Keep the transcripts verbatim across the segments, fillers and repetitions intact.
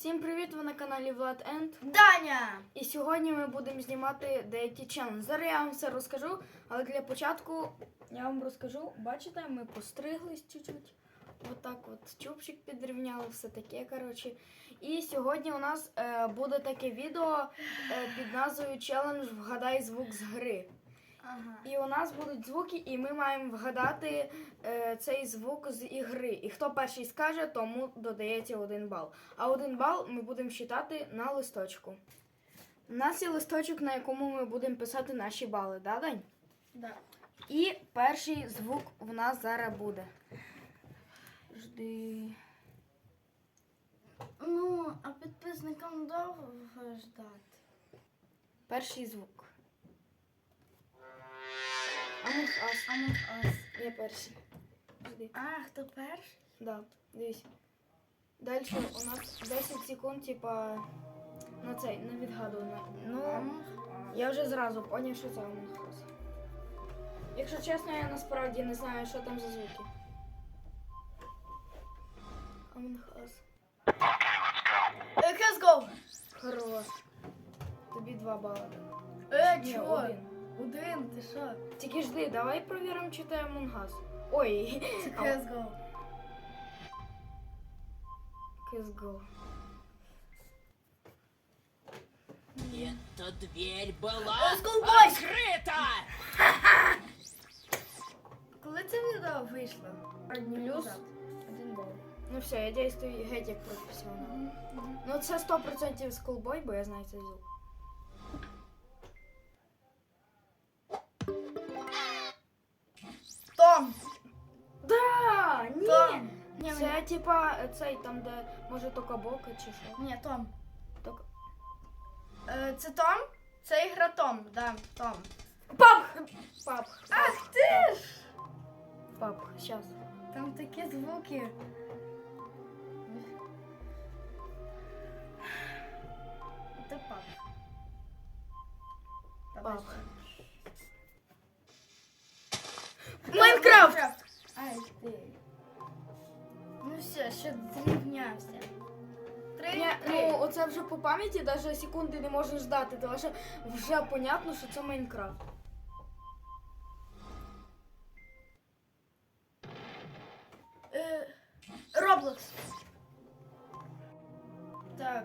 Всім привіт! Ви на каналі Влад Енд Даня! І сьогодні ми будемо знімати деякі челенджі. Зараз я вам все розкажу, але для початку я вам розкажу. Бачите, ми постриглись чуть-чуть. Отак от чубчик підрівняли, все таке, коротше. І сьогодні у нас е, буде таке відео е, під назвою челендж «Вгадай звук з гри». Ага. І у нас будуть звуки, і ми маємо вгадати е, цей звук з ігри. І хто перший скаже, тому додається один бал. А один бал ми будемо считати на листочку. У нас є листочок, на якому ми будемо писати наші бали, да, Дань? Да. І перший звук в нас зараз буде. Жди. Ну, а підписникам довго ждати. Перший звук. Among Us. Among Us. Я перший. Жди. А, хто перший? Да, дивись. Далі у нас десять секунд, типа, на цей, на відгадування. Ну, Among Us. я вже зразу поняв, що це Among Us. Якщо чесно, я насправді не знаю, що там за звуки. Among Us. Е, Let's go! Хорош. Тобі два бали. Е, Ні, чого? один. Один, ти що? Тільки жди, давай провіримо, чи це Among Us. Ой, Це Let's go. Let's go. Эта дверь была Let's go, boys! открыта! Коли це відео вийшло? Плюс один бал. Ну все, я дійствую геть як професіонал. Ну це сто відсотків Schoolboy, бо я знаю цей звук. Том! Да, ні. Том! Ні, Це ні, типа цей там, де може токабока чи що. ні, Том. Ток... Е, це Том? Це ігра Том, да, Том. Пап! Пап. Ах ти ж! Пап, щас. Там такі звуки. Це пап. Давай Пап. ще. Майнкрафт! Ай ти. Ну все, ще зрівнявся. Три, Ні, три. ну оце вже по пам'яті навіть секунди не можна ждати, тому що вже понятно, що це Майнкрафт. Е, Роблокс. Так.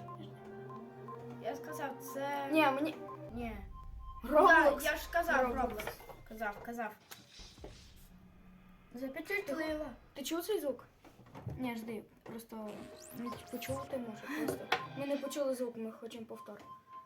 Я сказав, це... Ні, мені... Ні. Роблокс. Да, я ж казав Роблокс. Роблокс. Казав, казав. Запечатлила. Ти чув цей звук? Ні, жди, просто не почув ти може просто. Ми не почули звук, ми хочемо повтор.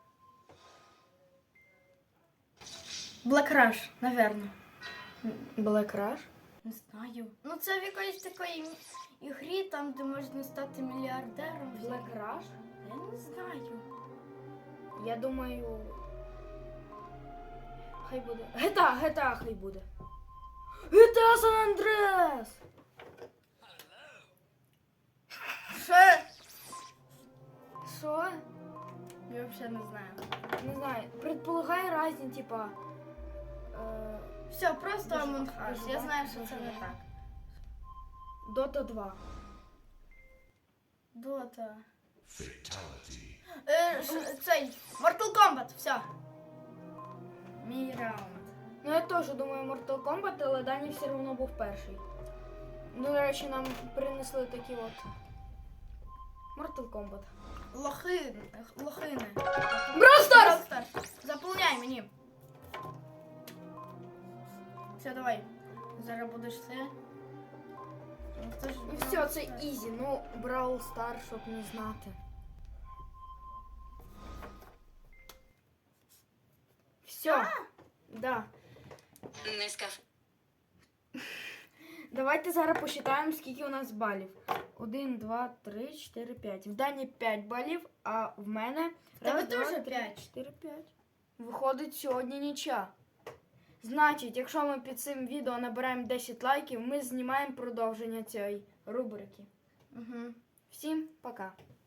Black Rush, наверно. Black Rush? Не знаю. Ну це в якоїсь такої ігрі, там, де можна стати мільярдером. Black Rush? Я не знаю. Я думаю... Хай буде. Гета, Гета хай буде. Гета Сан Андрес! Що? Що? Я взагалі не знаю. Не знаю. Предполагай різні, типа... Е... Все, просто Дуже Among важко, Us. дуже Я знаю, важко, що це дуже не важко. так. Дота два. Дота. Fatality. Е, ш- цей, Mortal Kombat, все. Мій раунд. Ну я теж думаю Mortal Kombat, але Дані все одно був перший. Ну, до речі, нам принесли такі от... Mortal Kombat. Лохи, лохини. Brawl Stars! Brawl Stars. Заповняй мені. Все, давай. Зараз будеш це. Ну, це ж І Brawl все, це Stars. ізі. Ну, Brawl Stars, щоб не знати. Все. Да. Не скажу. Давайте зараз посчитаємо, скільки у нас балів. Один, два, три, чотири, п'ять. В Дані п'ять балів, а в мене... тебе раз, два, теж три, п'ять. чотири, п'ять. Виходить сьогодні нічия. Значить, якщо ми під цим відео набираємо десять лайків, ми знімаємо продовження цієї рубрики. Угу. Всім пока!